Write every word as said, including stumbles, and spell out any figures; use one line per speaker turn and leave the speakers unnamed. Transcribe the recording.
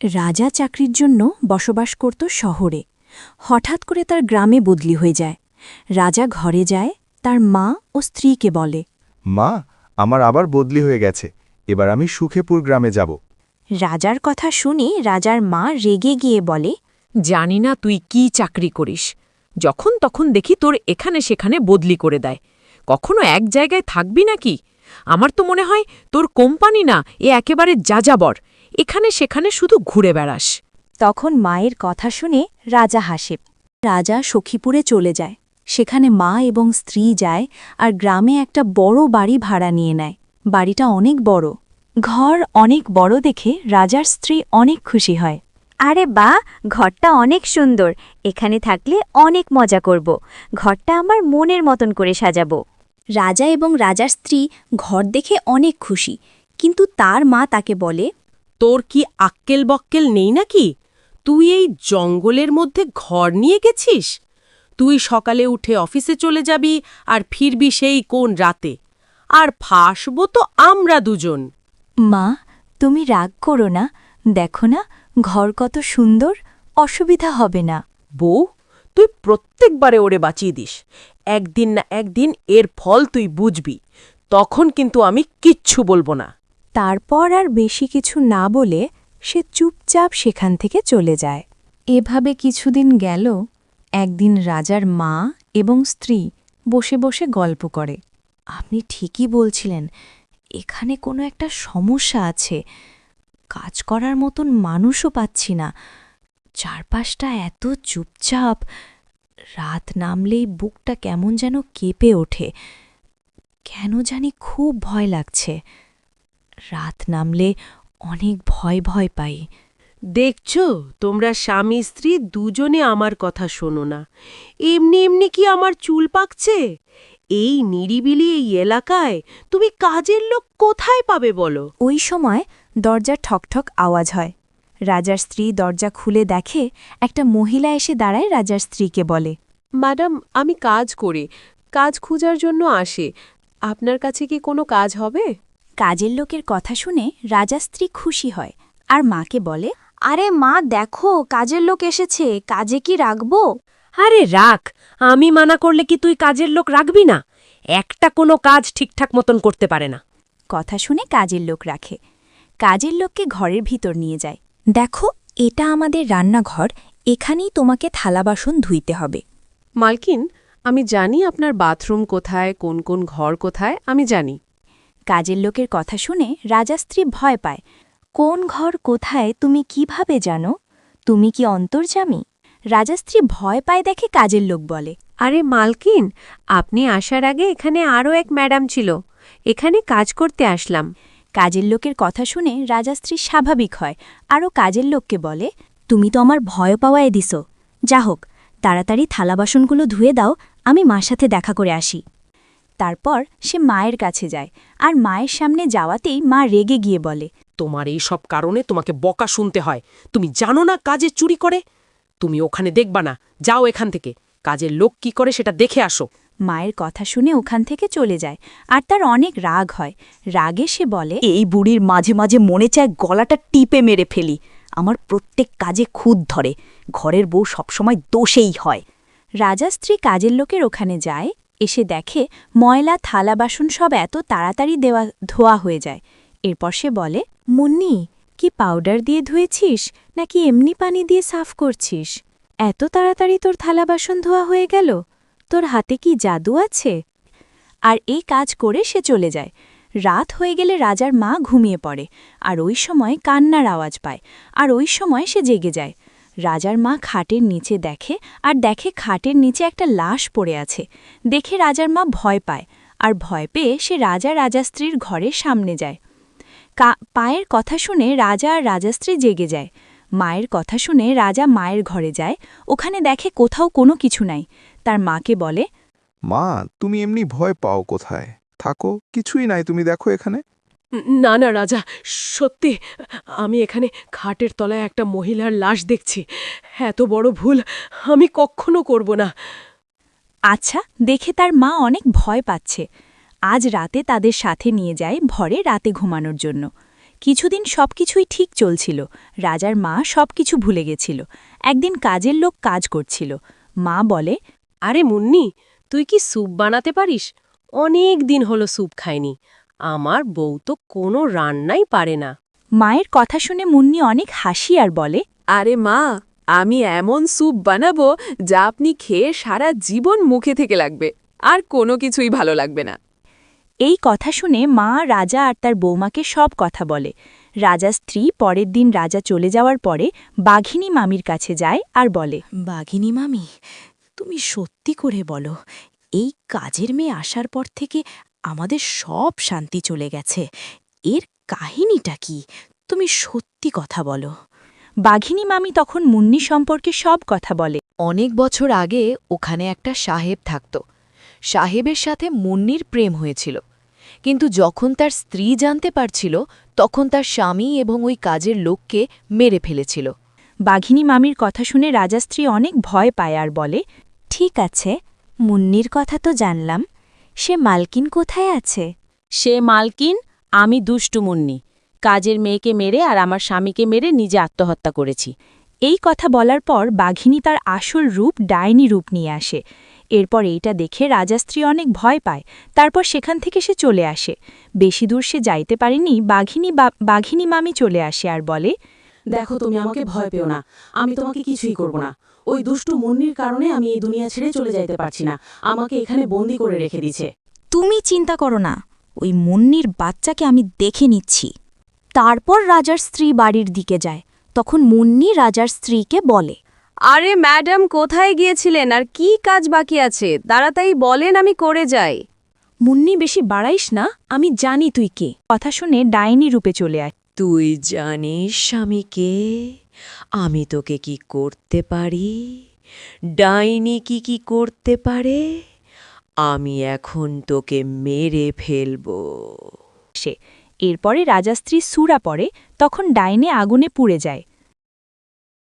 রাজা চাকরির জন্য বসবাস করত শহরে। হঠাৎ করে তার গ্রামে বদলি হয়ে যায়। রাজা ঘরে যায়, তার মা ও স্ত্রীকে বলে,
মা, আমার আবার বদলি হয়ে গেছে, এবার আমি সুখেপুর গ্রামে যাব।
রাজার কথা শুনে রাজার মা রেগে গিয়ে বলে,
জানি না তুই কি চাকরি করিস, যখন তখন দেখি তোর এখানে সেখানে বদলি করে দেয়। কখনো এক জায়গায় থাকবি নাকি? আমার তো মনে হয় তোর কোম্পানি না, এ একেবারে যাযাবর, এখানে সেখানে শুধু ঘুরে বেড়াস।
তখন মায়ের কথা শুনে রাজা হাসে। রাজা সখীপুরে চলে যায়। সেখানে মা এবং স্ত্রী যায় আর গ্রামে একটা বড় বাড়ি ভাড়া নিয়ে নেয়। বাড়িটা অনেক বড়, ঘর অনেক বড় দেখে রাজার স্ত্রী অনেক খুশি হয়।
আরে বা, ঘরটা অনেক সুন্দর, এখানে থাকলে অনেক মজা করব। ঘরটা আমার মনের মতন করে সাজাবো।
রাজা এবং রাজার স্ত্রী ঘর দেখে অনেক খুশি, কিন্তু তার মা তাকে বলে,
তোর কি আক্কেল বক্কেল নেই নাকি? তুই এই জঙ্গলের মধ্যে ঘর নিয়ে গেছিস? তুই সকালে উঠে অফিসে চলে যাবি আর ফিরবি সেই কোন রাতে, আর ফাঁসবো তো আমরা দুজন।
মা, তুমি রাগ করো না, দেখো না ঘর কত সুন্দর, অসুবিধা হবে না।
বউ, তুই প্রত্যেকবারে ওরে বাঁচিয়ে দিস। একদিন না একদিন এর ফল তুই বুঝবি, তখন কিন্তু আমি কিচ্ছু বলবো না।
তারপর আর বেশি কিছু না বলে সে চুপচাপ সেখান থেকে চলে যায়। এভাবে কিছুদিন গেল। একদিন রাজার মা এবং স্ত্রী বসে বসে গল্প করে। আপনি ঠিকই বলছিলেন, এখানে কোনো একটা সমস্যা আছে। কাজ করার মতন মানুষও পাচ্ছি না, চারপাশটা এত চুপচাপ। রাত নামলেই বুকটা কেমন যেন কেঁপে ওঠে। কেন জানি খুব ভয় লাগছে। রাত নামলে অনেক ভয় ভয় পাই।
দেখছ, তোমরা স্বামী স্ত্রী দুজনে আমার কথা শোনো না। এমনি এমনি কি আমার চুল পাকছে? এই নিরিবিলি এই এলাকায় তুমি কাজের লোক কোথায় পাবে বলো?
ওই সময় দরজার ঠকঠক আওয়াজ হয়। রাজার স্ত্রী দরজা খুলে দেখে একটা মহিলা এসে দাঁড়ায়। রাজার স্ত্রীকে বলে,
ম্যাডাম, আমি কাজ করি, কাজ খোঁজার জন্য আসে। আপনার কাছে কি কোনো কাজ হবে?
কাজের লোকের কথা শুনে রাজা স্ত্রী খুশি হয় আর মাকে বলে, আরে মা, দেখো কাজের লোক এসেছে, কাজে কি রাখবো?
আরে রাখ, আমি মানা করলে কি তুই কাজের লোক রাখবি না? একটা কোনো কাজ ঠিকঠাক মতন করতে পারে না।
কথা শুনে কাজের লোক রাখে। কাজের লোককে ঘরের ভিতর নিয়ে যায়। দেখো, এটা আমাদের রান্নাঘর, এখানেই তোমাকে থালা বাসন ধুইতে হবে।
মালকিন, আমি জানি আপনার বাথরুম কোথায়, কোন কোন ঘর কোথায়, আমি জানি।
কাজের লোকের কথা শুনে রাজা স্ত্রী ভয় পায়। কোন ঘর কোথায় তুমি কিভাবে জানো? তুমি কি অন্তর্যামী? রাজা স্ত্রী ভয় পায় দেখে কাজের লোক বলে,
আরে মালকিন, আপনি আসার আগে এখানে আরও এক ম্যাডাম ছিল, এখানে কাজ করতে আসলাম।
কাজের লোকের কথা শুনে রাজা স্ত্রী স্বাভাবিক হয় আরও কাজের লোককে বলে, তুমি তো আমার ভয় পাওয়ায় দিস। যা হোক, তাড়াতাড়ি থালা বাসনগুলো ধুয়ে দাও, আমি মার সাথে দেখা করে আসি। তারপর সে মায়ের কাছে যায় আর মায়ের সামনে যাওয়াতেই মা রেগে গিয়ে বলে,
তোমার এই সব কারণে তোমাকে বকা শুনতে হয়। তুমি জানো না কাজে চুরি করে? তুমি ওখানে দেখবা না, যাও এখান থেকে। কাজের লোক কি করে সেটা দেখে আসো।
মায়ের কথা শুনে ওখান থেকে চলে যায় আর তার অনেক রাগ হয়। রাগে সে বলে, এই বুড়ির মাঝে মাঝে মনে চায় গলাটা টিপে মেরে ফেলি। আমার প্রত্যেক কাজে খুদ ধরে, ঘরের বউ সবসময় দোষেই হয়। রাজা স্ত্রী কাজের লোকের ওখানে যায়, এসে দেখে ময়লা থালা বাসন সব এত তাড়াতাড়ি দেওয়া ধোয়া হয়ে যায়। এরপর সে বলে, মুন্নি, কি পাউডার দিয়ে ধুয়েছিস নাকি এমনি পানি দিয়ে সাফ করছিস? এত তাড়াতাড়ি তোর থালা বাসন ধোয়া হয়ে গেল, তোর হাতে কি জাদু আছে? আর এই কাজ করে সে চলে যায়। রাত হয়ে গেলে রাজার মা ঘুমিয়ে পড়ে আর ওই সময় কান্নার আওয়াজ পায়, আর ওই সময় সে জেগে যায়। রাজার মা খাটের নিচে দেখে আর দেখে খাটের নিচে একটা লাশ পড়ে আছে। দেখে রাজার মা ভয় পায় আর ভয় পেয়ে সে রাজা রাজাস্ত্রীর ঘরের সামনে যায়। কা পায়ের কথা শুনে রাজা আর রাজাস্ত্রী জেগে যায়। মায়ের কথা শুনে রাজা মায়ের ঘরে যায়, ওখানে দেখে কোথাও কোনো কিছু নাই। তার মাকে বলে,
মা, তুমি এমনি ভয় পাও কোথায়? থাকো, কিছুই নাই, তুমি দেখো এখানে।
না না রাজা, সত্যি আমি এখানে খাটের তলায় একটা মহিলার লাশ দেখছি। এত বড় ভুল আমি কখনো করব না।
আচ্ছা, দেখে তার মা অনেক ভয় পাচ্ছে। আজ রাতে তাদের সাথে নিয়ে যায় ভরে রাতে ঘুমানোর জন্য। কিছুদিন সবকিছুই ঠিক চলছিল। রাজার মা সবকিছু ভুলে গেছিল। একদিন কাজের লোক কাজ করছিল। মা বলে,
আরে মুন্নি, তুই কি স্যুপ বানাতে পারিস? অনেক দিন হলো স্যুপ খাইনি। আমার বউ তো কোনো রান্নাই পারে না।
মায়ের কথা শুনে মুন্নি অনেক হাসি আর বলে,
আরে মা, আমি এমন স্যুপ বানাবো যা আপনি খেয়ে সারা জীবন মুখে থেকে লাগবে, আর কোনো কিছুই ভালো লাগবে না।
এই কথা শুনে মা রাজা আর তার বৌমাকে সব কথা বলে। রাজার স্ত্রী পরের দিন রাজা চলে যাওয়ার পরে বাঘিনী মামির কাছে যায় আর বলে,
বাঘিনী মামি, তুমি সত্যি করে বলো, এই কাজের মেয়ে আসার পর থেকে আমাদের সব শান্তি চলে গেছে। এর কাহিনীটা কি? তুমি সত্যি কথা বলো।
বাঘিনী মামি তখন মুন্নি সম্পর্কে সব কথা বলে।
অনেক বছর আগে ওখানে একটা সাহেব থাকত। সাহেবের সাথে মুন্নির প্রেম হয়েছিল, কিন্তু যখন তার স্ত্রী জানতে পারছিল তখন তার স্বামী এবং ওই কাজের লোককে মেরে ফেলেছিল।
বাঘিনী মামির কথা শুনে রাজা স্ত্রী অনেক ভয় পায় আর বলে,
ঠিক আছে, মুন্নির কথা তো জানলাম। সে মালকিন কোথায় আছে?
সে মালকিন, আমি দুষ্টু মুন্নি। কাজের মেয়েকে মেরে আর আমার স্বামীকে মেরে নিজে আত্মহত্যা করেছি।
এই কথা বলার পর বাঘিনী তার আসল রূপ ডাইনি রূপ নিয়ে আসে। এরপর এইটা দেখে রাজাস্ত্রী অনেক ভয় পায়। তারপর সেখান থেকে সে চলে আসে। বেশি দূর সে যাইতে পারেনি, বাঘিনী বাঘিনী মামি চলে আসে আর বলে,
দেখো, তুমি আমাকে ভয় পেও না, আমি তোমাকে কিছুই করব না। ওই দুষ্টু মুন্নির কারণে আমি এই দুনিয়া ছেড়ে চলে যাইতে পারছি না। আমাকে এখানে বন্দি করে রেখে দিছে।
তুমি চিন্তা করো না, ওই মুন্নির বাচ্চাকে আমি দেখে নিচ্ছি। তারপর রাজার স্ত্রী বাড়ির দিকে যায়। তখন মুন্নি রাজার স্ত্রীকে বলে,
আরে ম্যাডাম, কোথায় গিয়েছিলেন আর কি কাজ বাকি আছে? তাড়াতাড়ি বলেন, আমি করে যাই।
মুন্নি, বেশি বাড়াইস না, আমি জানি তুই কে।
কথা শুনে ডাইনি রূপে চলে আসে।
তুই জানিস স্বামীকে আমি তোকে কি করতে পারি? ডাইনি কি কি করতে পারে? আমি এখন তোকে মেরে ফেলবো।
এরপরে রাজাস্ত্রী সুরা পড়ে, তখন ডাইনে আগুনে পুড়ে যায়।